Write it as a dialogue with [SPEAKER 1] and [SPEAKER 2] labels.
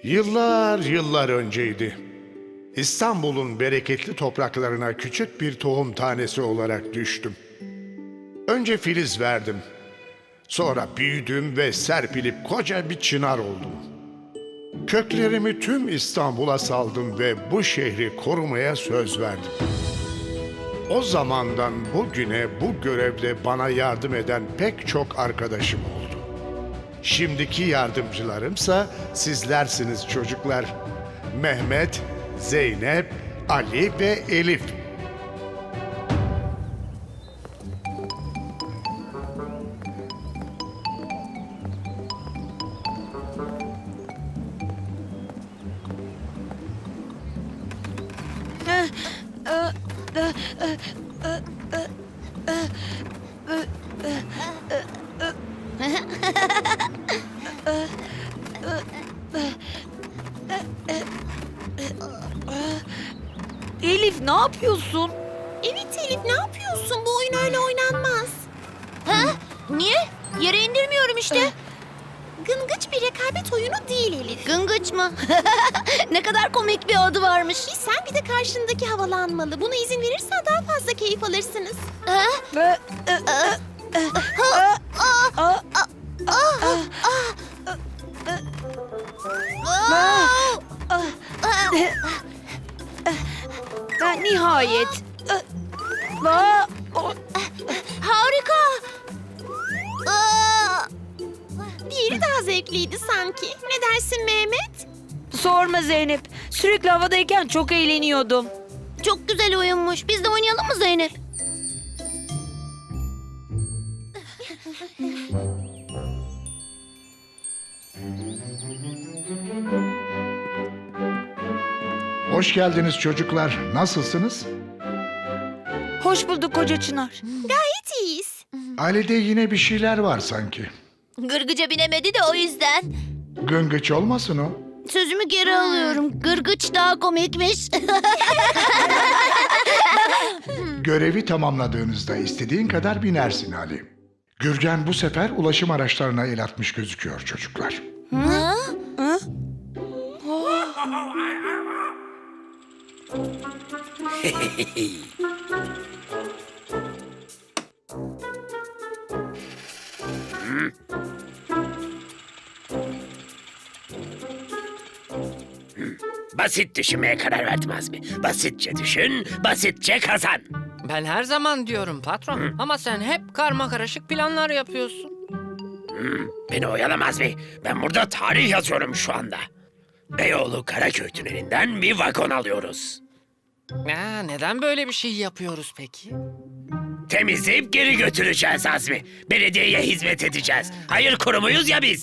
[SPEAKER 1] Yıllar yıllar önceydi. İstanbul'un bereketli topraklarına küçük bir tohum tanesi olarak düştüm. Önce filiz verdim. Sonra büyüdüm ve serpilip koca bir çınar oldum. Köklerimi tüm İstanbul'a saldım ve bu şehri korumaya söz verdim. O zamandan bugüne bu görevde bana yardım eden pek çok arkadaşım oldu. Şimdiki yardımcılarımsa sizlersiniz çocuklar. Mehmet, Zeynep, Ali ve Elif.
[SPEAKER 2] Elif ne yapıyorsun?
[SPEAKER 3] Evet Elif, ne yapıyorsun? Bu oyun öyle oynanmaz.
[SPEAKER 4] Ha? Niye? Yere indirmiyorum işte.
[SPEAKER 3] Gıngıç bir rekabet oyunu değil Elif.
[SPEAKER 4] Gıngıç mı? Ne kadar komik bir adı varmış.
[SPEAKER 3] Sen bir de karşındaki havalanmalı. Buna izin verirsen daha fazla keyif alırsınız.
[SPEAKER 4] Ha?
[SPEAKER 2] Nihayet.
[SPEAKER 4] Harika.
[SPEAKER 3] Diğeri daha zevkliydi sanki. Ne dersin Mehmet?
[SPEAKER 2] Sorma Zeynep. Sürekli havadayken çok eğleniyordum.
[SPEAKER 4] Çok güzel oyunmuş. Biz de oynayalım mı Zeynep?
[SPEAKER 1] Hoş geldiniz çocuklar. Nasılsınız?
[SPEAKER 2] Hoş bulduk koca Çınar.
[SPEAKER 3] Gayet iyiyiz.
[SPEAKER 1] Ailede yine bir şeyler var sanki.
[SPEAKER 4] Gırgıca binemedi de o yüzden.
[SPEAKER 1] Gıngıç olmasın o.
[SPEAKER 4] Sözümü geri alıyorum. Gırgıç daha komikmiş.
[SPEAKER 1] Görevi tamamladığınızda istediğin kadar binersin Ali. Gürgen bu sefer ulaşım araçlarına el atmış gözüküyor çocuklar.
[SPEAKER 4] Ha?
[SPEAKER 5] Basit düşünmeye karar verdim Azmi. Basitçe düşün, basitçe kazan.
[SPEAKER 6] Ben her zaman diyorum patron. Ama sen hep karmakarışık planlar yapıyorsun.
[SPEAKER 5] Beni oyalama Azmi. Ben burada tarih yazıyorum şu anda. Beyoğlu Karaköy tünelinden bir vagon alıyoruz.
[SPEAKER 6] Neden böyle bir şey yapıyoruz peki?
[SPEAKER 5] Temizleyip geri götüreceğiz Azmi. Belediyeye hizmet edeceğiz. Hayır kurumuyuz ya biz.